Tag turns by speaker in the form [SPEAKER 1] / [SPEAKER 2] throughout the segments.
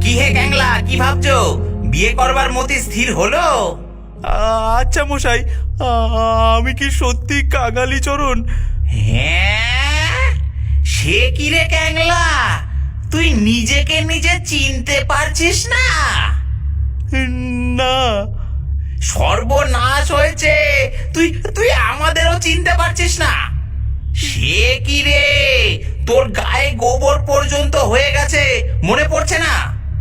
[SPEAKER 1] কি হে ক্যাংলা, কি ভাবছো? বিয়ে করবার মতি স্থির হলো?
[SPEAKER 2] আচ্ছা মশাই, আমি কি সত্যি কাঙালিচরণ?
[SPEAKER 1] হ্যাঁ, সে কি রে ক্যাংলা, তুই নিজেকে নিজে চিনতে পারছিস না?
[SPEAKER 2] না।
[SPEAKER 1] সর্বনাশ হয়েছে, তুই তুই আমাদেরও চিনতে পারছিস না? সে কি রে, তোর গায়ে গোবর পর্যন্ত হয়ে গেছে, মনে পড়ছে না?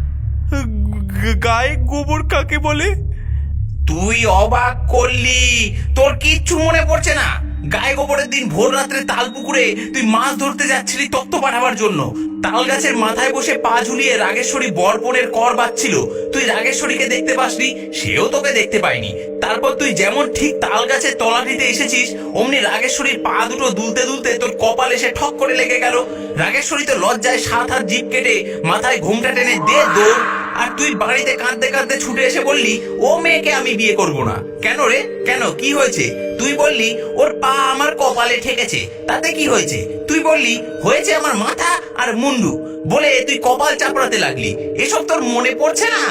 [SPEAKER 2] গায়ে গোবর কাকে বলে?
[SPEAKER 1] তুই অবাক করলি, তোর কিচ্ছু মনে পড়ছে না? গায়ে গোবরের দিন ভোর রাত্রে তাল পুকুরে তুই মাছ ধরতে যাচ্ছিলি তত্ত্ব পাঠাবার জন্য। তাল গাছের মাথায় বসে পা ঝুলিয়ে রাগেশ্বরী বরপনের কর বাজছিল। তুই রাগেশ্বরীকে দেখতে পাসনি, সেও তোকে দেখতে পায়নি। তারপর তুই যেমন ঠিক তাল গাছের তলাটিতে এসেছিস, অমনি রাগেশ্বরীর পা দুটো দুলতে দুলতে তোর কপাল এসে ঠক করে লেগে গেল। রাগেশ্বরী তো লজ্জায় 7 হাত জিভ কেটে মাথায় ঘোমটা টেনে দে দৌড়। আর তুই বাড়িতে কাঁদতে কাঁদতে ছুটে এসে বললি, ও মেয়েকে আমি বিয়ে করব না। কেন রে, কেন, কি হয়েছে? তুই বললি ওর পা আমার কপালে ঠেকেছে, তাতে কি হয়েছে? তুই বললি হয়েছে আমার মাথা আর মুন্ডু, বলে তুই কপাল চাপড়াতে লাগলি। এসব তোর মনে পড়ছে না?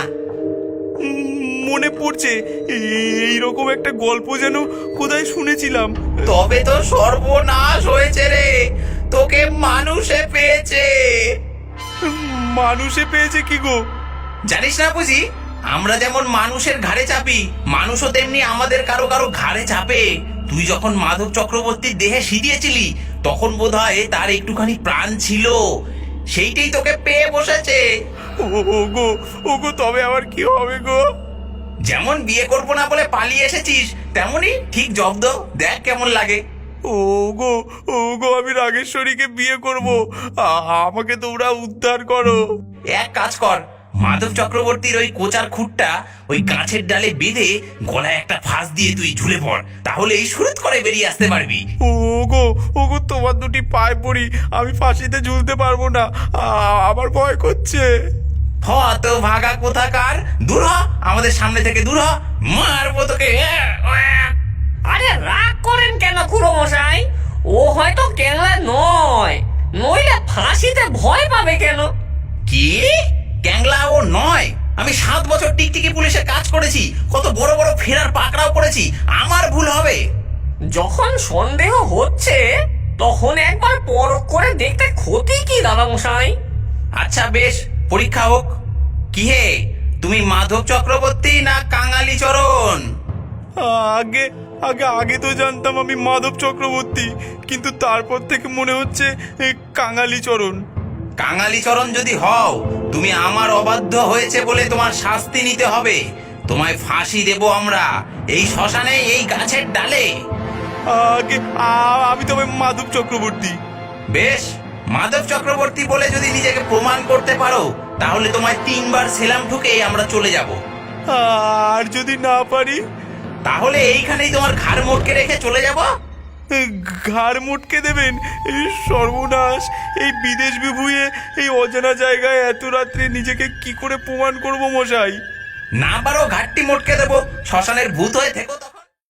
[SPEAKER 2] মনে পড়ছে, এইরকম একটা গল্প যেন কোথায় শুনেছিলাম।
[SPEAKER 1] তবে তো সর্বনাশ হয়েছে রে, তোকে মানুষে পেয়েছে।
[SPEAKER 2] মানুষে পেয়েছে কি গো?
[SPEAKER 1] জানিস না বুঝি, আমরা যেমন মানুষের ঘাড়ে চাপি, মানুষও তেমনি আমাদের কারো কারো ঘাড়ে চাপে। তুই যখন মাধব চক্রবর্তীর দেহে সিঁড়িয়েছিলি, তখন বোধহয় তার একটুখানি প্রাণ ছিল, সেইটাই তোকে পেয়ে বসেছে।
[SPEAKER 2] ওগো, ওগো, তবে আবার কি হবে গো?
[SPEAKER 1] যেমন বিয়ে করবো না বলে পালিয়ে এসেছিস, তেমনই ঠিক জব্দ, দেখ কেমন লাগে।
[SPEAKER 2] ওগো, ওগো, আমি রাগেশ্বরীকে বিয়ে করব, আমাকে তোমরা উদ্ধার করো।
[SPEAKER 1] এক কাজ কর, মাধব চক্রবর্তীর ওই কোচার খুঁটটা ওই গাছের ডালে বেঁধে গলায় একটা ফাঁস দিয়ে তুই ঝুলে পড়, তাহলে এই সুরত করে বেরিয়ে আসতে পারবি।
[SPEAKER 2] ওগো, ওগো, তোমার দুটি পায়ে পড়ি, আমি ফাঁসিতে ঝুলতে পারবো না, আমার ভয় করছে।
[SPEAKER 1] তো ভাগা কোথাকার, দূর হ আমাদের সামনে থেকে, দূর হ, মারবো তোকে।
[SPEAKER 3] আরে রাগ করেন কেন খুড়ো মশাই? ও হয়তো ক্যাংলা নয়, নইলে ফাঁসিতে ভয় পাবে কেন?
[SPEAKER 1] কি? ক্যাংলা ও নয়? আমি 7 বছর টিকটিকি পুলিশে কাজ করেছি, কত বড় বড় ফেরার পাকড়াও করেছি, আমার ভুল হবে?
[SPEAKER 3] যখন সন্দেহ হচ্ছে তখন একবার পরখ করে দেখতে ক্ষতি কি দাদা মশাই?
[SPEAKER 1] আচ্ছা বেশ, পরীক্ষা হোক। কি হে, তুমি মাধব চক্রবর্তী না কাঙালিচরণ?
[SPEAKER 2] আগে আগে আগে তো জানতাম আমি মাধব চক্রবর্তী, কিন্তু তারপর থেকে মনে হচ্ছে কাঙালিচরণ।
[SPEAKER 1] কাঙালিচরণ যদি হও, তুমি আমার অবাধ্য হয়েছে বলে তোমার শাস্তি নিতে হবে। তোমায় ফাঁসি দেব আমরা, এই শ্মশানে, এই গাছের ডালে।
[SPEAKER 2] আগে আমি তবে মাধব চক্রবর্তী।
[SPEAKER 1] বেশ, মাধব চক্রবর্তী বলে যদি নিজেকে প্রমাণ করতে পারো, তাহলে তোমায় 3 বার সেলাম ঠুকে আমরা চলে যাব।
[SPEAKER 2] আর যদি না পারি?
[SPEAKER 1] তাহলে এইখানেই তোমার ঘাড় মোটকে রেখে চলে যাব।
[SPEAKER 2] ঘাড় মুটকে দেবেন? সর্বনাশ! এই বিদেশ বিভুঁইয়ে এই অজানা জায়গায় এত রাত্রে নিজেকে কি করে প্রমাণ করব মশাই?
[SPEAKER 1] না পারো, ঘাটটি মোটকে দেবো, শ্মশানের ভূত হয়ে থেকো তো।